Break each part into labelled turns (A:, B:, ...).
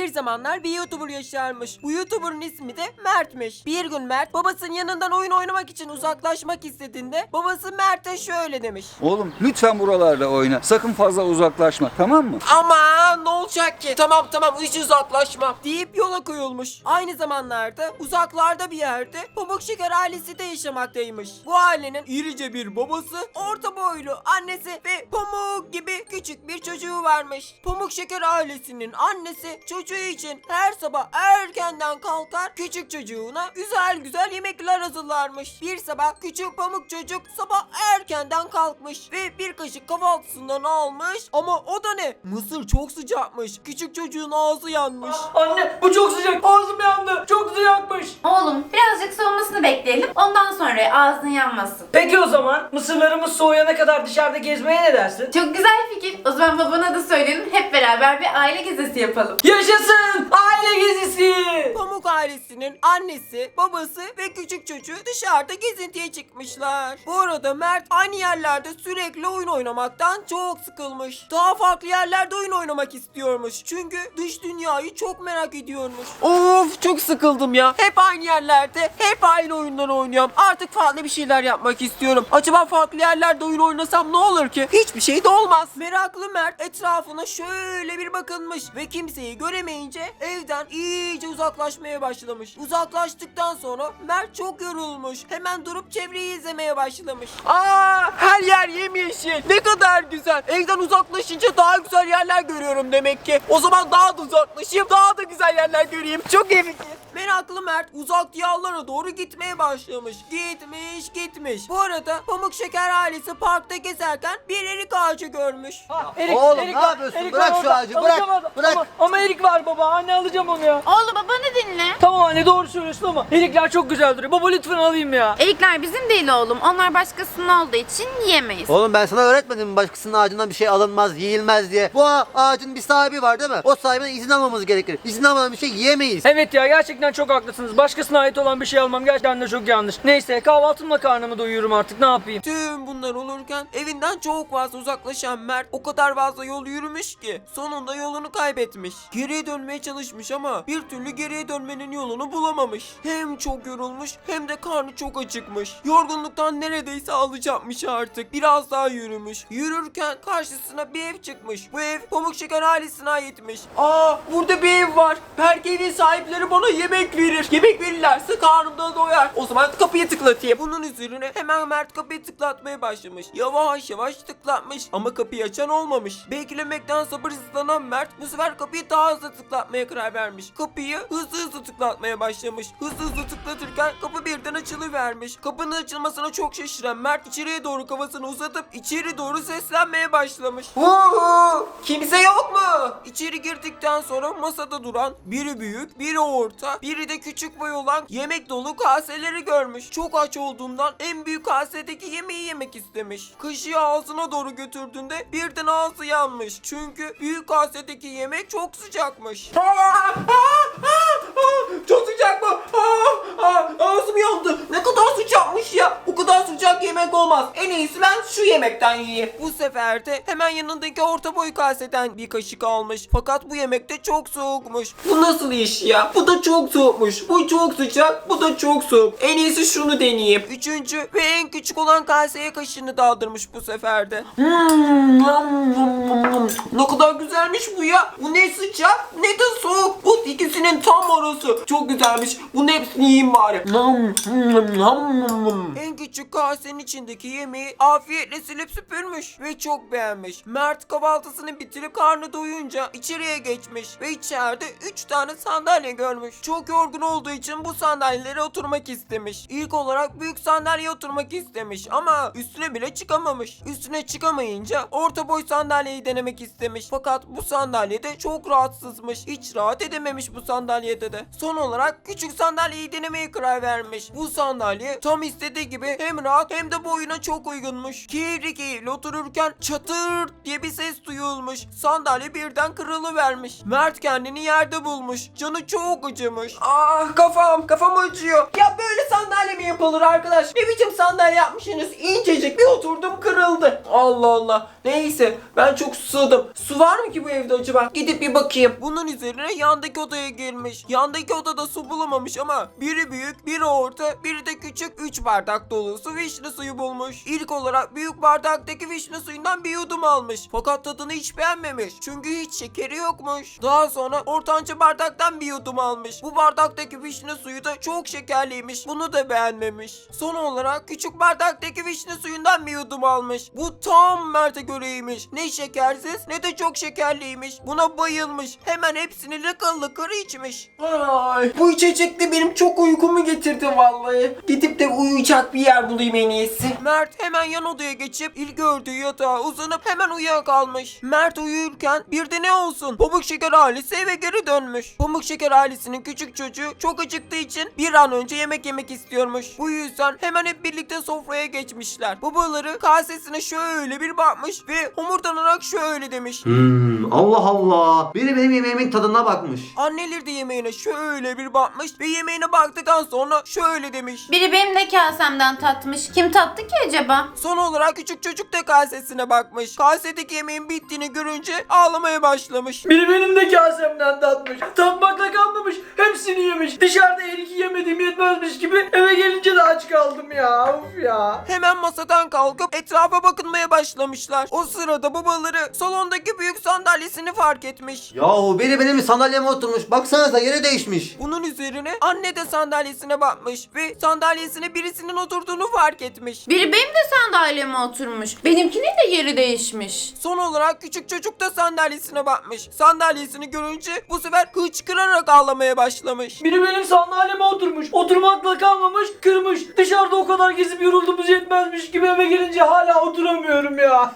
A: Bir zamanlar bir YouTuber yaşarmış. Bu YouTuber'ın ismi de Mert'miş. Bir gün Mert babasının yanından oyun oynamak için uzaklaşmak istediğinde babası Mert'e şöyle demiş.
B: Oğlum lütfen buralarda oyna. Sakın fazla uzaklaşma, tamam mı?
A: Aman ne olacak ki? Tamam hiç uzaklaşma deyip yola koyulmuş. Aynı zamanlarda uzaklarda bir yerde Pamuk Şeker ailesi de yaşamaktaymış. Bu ailenin irice bir babası, orta boylu annesi ve Pamuk gibi küçük bir çocuğu varmış. Pamuk Şeker ailesinin annesi çocuğu için her sabah erkenden kalkar, küçük çocuğuna güzel güzel yemekler hazırlarmış. Bir sabah küçük Pamuk çocuk sabah erkenden kalkmış ve bir kaşık kahvaltısından almış ama o da ne? Mısır çok sıcakmış. Küçük çocuğun ağzı yanmış.
C: Anne bu çok sıcak. Ağzım yandı. Çok sıcakmış.
D: Oğlum birazcık soğumasını bekleyelim. Ondan sonra ağzın yanmasın.
C: Peki o zaman mısırlarımız soğuyana kadar dışarıda gezmeye ne dersin?
D: Çok güzel fikir. O zaman babana da söyleyelim. Hep beraber bir aile gezisi yapalım.
C: Yaşasın! Aile gezisi!
A: Pamuk ailesinin annesi, babası ve küçük çocuğu dışarıda gezintiye çıkmışlar. Bu arada Mert aynı yerlerde sürekli oyun oynamaktan çok sıkılmış. Daha farklı yerlerde oyun oynamak istiyormuş. Çünkü dış dünyayı çok merak ediyormuş. Of çok sıkıldım ya. Hep aynı yerlerde, hep aynı oyunları oynuyorum. Artık farklı bir şeyler yapmak istiyorum. Acaba farklı yerlerde oyun oynasam ne olur ki? Hiçbir şey de olmaz. Meraklı Mert etrafına şöyle bir bakınmış ve kimseyi göremeyince evden iyice uzaklaşmaya başlamış. Uzaklaştıktan sonra Mert çok yorulmuş. Hemen durup çevreyi izlemeye başlamış. Her yer yemyeşil. Ne kadar güzel. Evden uzaklaşınca daha güzel yerler görüyorum demek ki. O zaman daha da uzaklaşayım, daha da güzel yerler göreyim. Çok iyi fikir. Meraklı Mert uzak diyarlara doğru gitmeye başlamış. Gitmiş. Bu arada Pamuk Şeker ailesi parkta gezerken bir erik ağacı görmüş.
E: Oğlum, ne yapıyorsun? Bırak
C: var
E: şu
C: orada.
E: ağacı, bırak,
C: Alacağım
E: bırak.
C: Ama erik var baba. Anne alacağım onu ya.
D: Oğlum babanı dinle.
C: Tamam anne doğru söylüyorsun ama erikler çok güzel duruyor. Baba lütfen alayım ya.
D: Erikler bizim değil oğlum. Onlar başkasının olduğu için yiyemeyiz.
E: Oğlum ben sana öğretmedim mi başkasının ağacından bir şey alınmaz, yiyilmez diye. Bu ağacın bir sahibi var değil mi? O sahibinden izin almamız gerekir. İzin almadan bir şey yiyemeyiz.
C: Evet ya gerçekten çok haklısınız. Başkasına ait olan bir şey almam gerçekten de çok yanlış. Neyse kahvaltımla karnımı doyururum artık ne yapayım.
A: Tüm bunlar olurken evinden çok fazla uzaklaşan Mert o kadar fazla yol yürümüş ki sonunda yolunu kaybetmiş. Geriye dönmeye çalışmış ama bir türlü geriye dönmenin yolunu bulamamış. Hem çok yorulmuş hem de karnı çok acıkmış. Yorgunluktan neredeyse ağlayacakmış artık. Biraz daha yürümüş. Yürürken karşısına bir ev çıkmış. Bu ev Pamuk Şeker ailesine aitmiş. Burada bir ev var. Belki evin sahipleri bana yemek verir. Yemek verirlerse karnım da doyar. O zaman kapıyı tıklatayım. Bunun üzerine hemen Mert kapıyı tıklatmaya başlamış. Yavaş yavaş tıklatmış ama kapıyı açan olmamış. Beklemekten sabırsızlanan Mert bu sefer kapıyı daha hızlı tıklatmaya karar vermiş. Kapıyı hızlı tıklatmaya başlamış. Hızlı tıklatırken kapı birden açılıvermiş. Kapının açılmasına çok şaşıran Mert içeriye doğru kafasını uzatıp içeri doğru seslenmeye başlamış. Kimse yok mu? İçeri girdikten sonra masada duran biri büyük, biri orta, biri de küçük boy olan yemek dolu kaseleri görmüş. Çok aç olduğundan en büyük kasedeki yemeği yemek istemiş. Kaşığı ağzına doğru götürdüğünde birden ağzı yanmış. Çünkü büyük kasedeki yemek çok sıcakmış. Çok sıcak mı? Ağzım yandı. Ne kadar sıcakmış ya. O kadar sıcak yemek olmaz. En iyisi ben şu yemekten yiyeyim. Bu sefer de hemen yanındaki orta boy kaseden bir kaşık almış. Fakat bu yemek de çok soğukmuş. Bu nasıl iş ya? Bu da çok soğukmuş. Bu çok sıcak. Bu da çok soğuk. En iyisi şunu deneyeyim. Üçüncü ve en küçük olan kaseye kaşığını daldırmış bu sefer de. Ne kadar güzelmiş bu ya. Bu ne sıcak ne de soğuk. Bu ikisinin tam arası. Çok güzelmiş. Bunun hepsini yiyeyim bari. En küçük kasenin içindeki yemeği afiyetle silip süpürmüş ve çok beğenmiş. Mert kahvaltısını bitirip karnı doyunca içeriye geçmiş ve içeride 3 tane sandalye görmüş. Çok yorgun olduğu için bu sandalyelere oturmak istemiş. İlk olarak büyük sandalyeye oturmak istemiş ama üstüne bile çıkamamış. Üstüne çıkamayınca orta boy sandalyeyi denemek istemiş. Fakat bu sandalyede çok rahatsızmış. Hiç rahat edememiş bu sandalyede de. Son olarak küçük sandalyeyi denemeye karar vermiş. Bu sandalye tam istediği gibi hem rahat hem de boyuna çok uygunmuş. Keyifli otururken çatır diye bir ses duyulmuş. Sandalye birden kırılıvermiş. Mert kendini yerde bulmuş. Canı çok acımış. Kafam acıyor. Ya böyle sandalye mi yapılır arkadaş? Ne biçim sandalye yapmışsınız? İncecik bir oturdum kırıldı. Allah Allah. Neyse ben çok susadım. Su var mı ki bu evde acaba? Gidip bir bakayım. Bunun üzerine yandaki odaya girmiş. Yandaki odada su bulamamış ama biri büyük, biri orta, biri de küçük 3 bardak dolusu vişne suyu bulmuş. İlk olarak büyük bardaktaki vişne suyundan bir yudum almış. Fakat tadını hiç beğenmemiş. Çünkü hiç şekeri yokmuş. Daha sonra ortanca bardaktan bir yudum almış. Bu bardaktaki vişne suyu da çok şekerliymiş. Bunu da beğenmemiş. Son olarak küçük bardaktaki vişne suyundan bir yudum almış. Bu tam Mert'e göreymiş. Ne şekersiz ne de çok şekerliymiş. Buna bayılmış. Hemen hepsini lıkır lıkır içmiş. Ay, bu içecek de benim çok uykumu getirdi vallahi. Gidip de uyuyacak bir yer bulayım en iyisi. Mert hemen yan odaya geçip ilk gördüğü yatağa uzanıp hemen uyuyakalmış. Mert uyurken bir de ne olsun? Pamuk Şeker ailesi eve geri dönmüş. Pamuk Şeker ailesinin küçük çocuğu çok acıktığı için bir an önce yemek yemek istiyormuş. Bu yüzden hemen hep birlikte sofraya geçmişler. Babaları kasesine şöyle bir bakmış ve homurdanarak şöyle demiş.
E: Allah Allah. Biri benim yemeğimin tadına bakmış.
A: Anneleri de yemeğine şöyle bir bakmış ve yemeğine baktıktan sonra şöyle demiş.
D: Biri benim de kasemden tatmış. Kim tattı ki acaba?
A: Son olarak küçük çocuk da kasesine bakmış. Kasedeki yemeğin bittiğini görünce ağlamaya başlamış.
C: Biri benim de kasemden tatmış. Tatmakla kalmamış. Hepsini yemiş. Dışarıda her iki yemediğim yetmezmiş gibi eve gelince de aç kaldım ya. Of ya.
A: Hemen masadan kalkıp etrafa bakınmaya başlamışlar. O sırada babaları salondaki büyük sandalyesini fark etmiş.
E: Yahu biri benim sandalyeme oturmuş. Baksanıza yeri değişmiş.
A: Bunun üzerine anne de sandalyesine bakmış ve sandalyesine birisinin oturduğunu fark etmiş.
D: Biri benim de sandalyeme oturmuş. Benimkinin de yeri değişmiş.
A: Son olarak küçük çocuk da sandalyesine bakmış. Sandalyesini görünce bu sefer hıçkırarak ağlamaya başlamış.
C: Biri benim sandalyeme oturmuş. Oturmakla kalmamış, kırmış. Dışarıda o kadar gezip yorulduğumuz yetmezmiş gibi eve gelince hala oturamıyorum ya.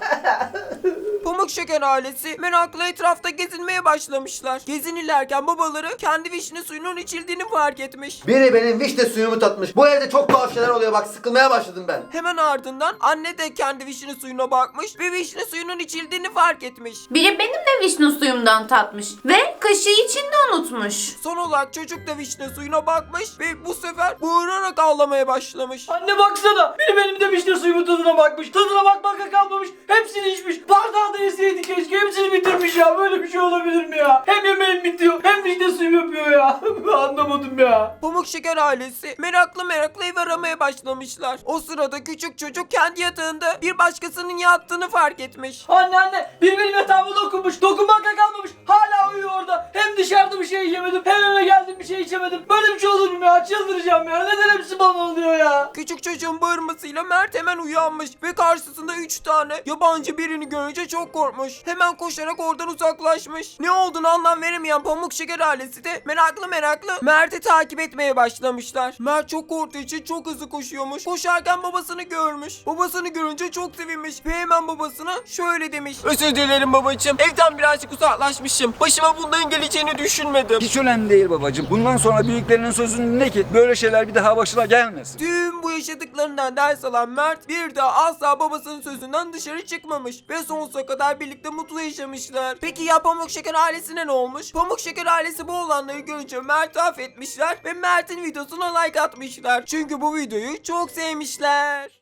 A: Pamuk Şeker ailesi merakla etrafta gezinmeye başlamışlar. Gezinirlerken babaları kendi vişne suyunun içildiğini fark etmiş.
E: Biri benim vişne suyumu tatmış. Bu evde çok tuhaf şeyler oluyor, bak sıkılmaya başladım ben.
A: Hemen ardından anne de kendi vişne suyuna bakmış ve vişne suyunun içildiğini fark etmiş.
D: Biri benim de vişne suyumdan tatmış. Ve kaşığı içinde unutmuş.
A: Son olarak çocuk da vişne suyuna bakmış ve bu sefer bağırarak ağlamaya başlamış.
C: Anne baksana. Biri benim de vişne suyumun tadına bakmış. Tadına bakmakla kalmamış. Hepsini içmiş. Bardağı da yeseydi keşke. Hepsini bitirmiş ya. Böyle bir şey olabilir mi ya? Hem yemeğim bitiyor hem vişne suyum yapıyor ya. Anlamadım ya.
A: Pamuk Şeker ailesi meraklı ev aramaya başlamışlar. O sırada küçük çocuk kendi yatağında bir başkasının yattığını fark etmiş.
C: Anne. Biri benim yatağıma dokunmuş. Dokunmakla kalmamış. Hala uyuyor orada. Hem dışarıda bir şey yemedim. Hem eve geldim bir şey içemedim. Böyle bir şey olur mu ya? Çıldıracağım ya. Neden hepsi bana oluyor ya?
A: Küçük çocuğun bağırmasıyla Mert hemen uyanmış ve karşısında 3 tane yabancı birini görünce çok korkmuş. Hemen koşarak oradan uzaklaşmış. Ne olduğunu anlam veremeyen Pamuk Şeker ailesi de meraklı Mert'i takip etmeye başlamışlar. Mert çok korktuğu için çok hızlı koşuyormuş. Koşarken babasını görmüş. Babasını görünce çok sevinmiş ve hemen babasına şöyle demiş. Özür dilerim babacığım. Evden birazcık uzaklaşmışım. Başıma bunların geleceğini düşünmedim.
B: Hiç önemli değil babacığım. Bundan sonra büyüklerinin sözünü dinle ki böyle şeyler bir daha başına gelmesin.
A: Tüm bu yaşadıklarından ders alan Mert bir daha asla babasının sözünden dışarı çıkmamış ve sonsuza kadar birlikte mutlu yaşamışlar. Peki ya Pamuk Şeker ailesine ne olmuş? Pamuk Şeker ailesi bu olanları görünce Mert'i affetmişler ve Mert'in videosuna like atmışlar. Çünkü bu videoyu çok sevmişler.